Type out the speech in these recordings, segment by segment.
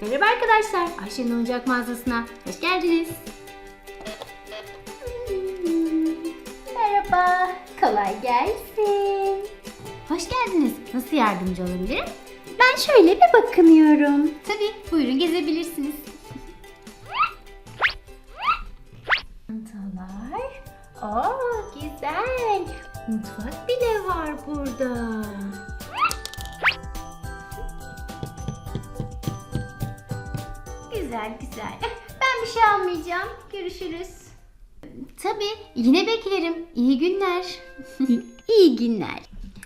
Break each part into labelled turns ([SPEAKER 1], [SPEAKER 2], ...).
[SPEAKER 1] Merhaba arkadaşlar, Ayşe'nin oyuncak mağazasına hoş geldiniz. Merhaba, kolay gelsin. Hoş geldiniz. Nasıl yardımcı olabilirim? Ben şöyle bir bakınıyorum. Tabii, buyurun gezebilirsiniz. Çantalar. Güzel. Mutfak bile var burada. Güzel. Ben bir şey almayacağım. Görüşürüz. Tabii, yine beklerim. İyi günler. İyi günler.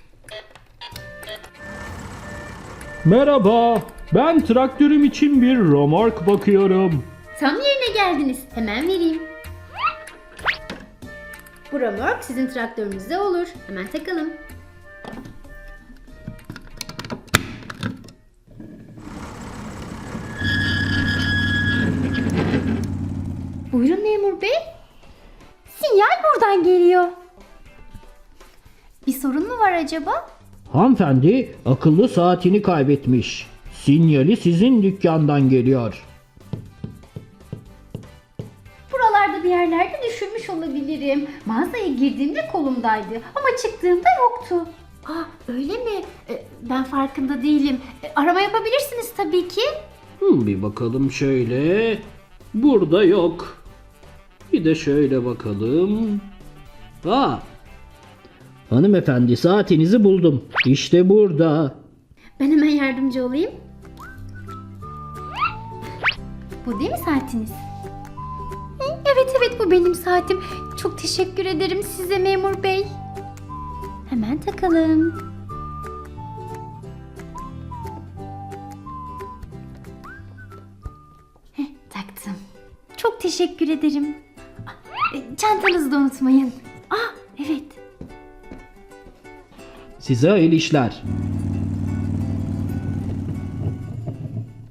[SPEAKER 2] Merhaba, ben traktörüm için bir römork bakıyorum.
[SPEAKER 1] Tam yerine geldiniz. Hemen vereyim. Bu römork sizin traktörünüzde olur. Hemen takalım. Buyurun memur bey. Sinyal buradan geliyor. Bir sorun mu var acaba?
[SPEAKER 2] Hanımefendi akıllı saatini kaybetmiş. Sinyali sizin dükkandan geliyor.
[SPEAKER 1] Buralarda bir yerlerde düşürmüş olabilirim. Mağazaya girdiğimde kolumdaydı ama çıktığımda yoktu. Öyle mi? Ben farkında değilim. Arama yapabilirsiniz tabii ki.
[SPEAKER 2] Bir bakalım şöyle. Burada yok. Bir de şöyle bakalım. Hanımefendi saatinizi buldum. İşte burada.
[SPEAKER 1] Ben hemen yardımcı olayım. Bu değil mi saatiniz? Evet bu benim saatim. Çok teşekkür ederim size memur bey. Hemen takalım. Taktım. Çok teşekkür ederim. Çantanızı da unutmayın. Evet.
[SPEAKER 2] Size hayırlı işler.